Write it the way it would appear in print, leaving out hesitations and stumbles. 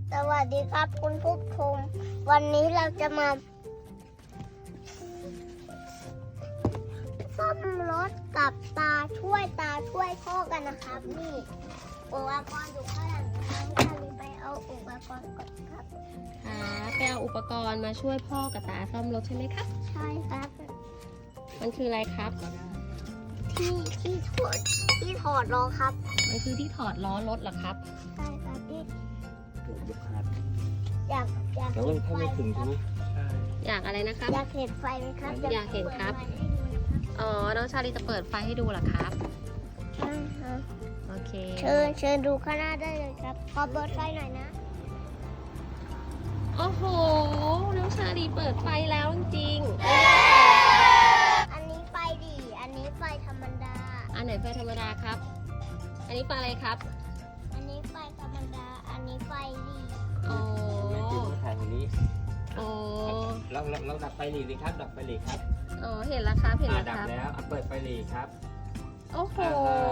สวัสดีครับคุณผู้ชมวันนี้เราจะมาซ่อมรถกับตาช่วยพ่อกันนะครับนี่อุปกรณ์อยู่ข้างหลังนะครับเราไปเอาอุปกรณ์ก่อนครับไปเอาอุปกรณ์มาช่วยพ่อกับตาซ่อมรถใช่ไหมครับใช่ครับมันคืออะไรครับที่ถอดล้อครับมันคือที่ถอดล้อรถเหรอครับใช่ครับที่ยกขาดอยากแต่ว่าถ้าไม่ถึงใช่ไหมอยากอะไรนะครับอยากเห็นไฟไหมครับอยากเห็นครับ อ๋อ น้องชาลีจะเปิดไฟให้ดูเหรอครับใช่ครับโอเคเชิญดูข้างหน้าได้เลยครับขอเปิดไฟหน่อยนะโอ้โห น้องชาลีเปิดไฟแล้วจริงอันนี้ไฟดีอันนี้ไฟธรรมดาๆอันไหนไฟธรรมดาครับ อันนี้ไฟอะไรครับอันนี้ไฟธรรมดา อันนี้ไฟดีโอ้ไม่ถึงทางนี้โอ้เราดับไฟหลีเลยครับ ดับไฟหลีครับอ๋อ เห็นแล้วครับ เห็นแล้วดัครับแล้วเปิดไฟหลีครับโอ้โหอ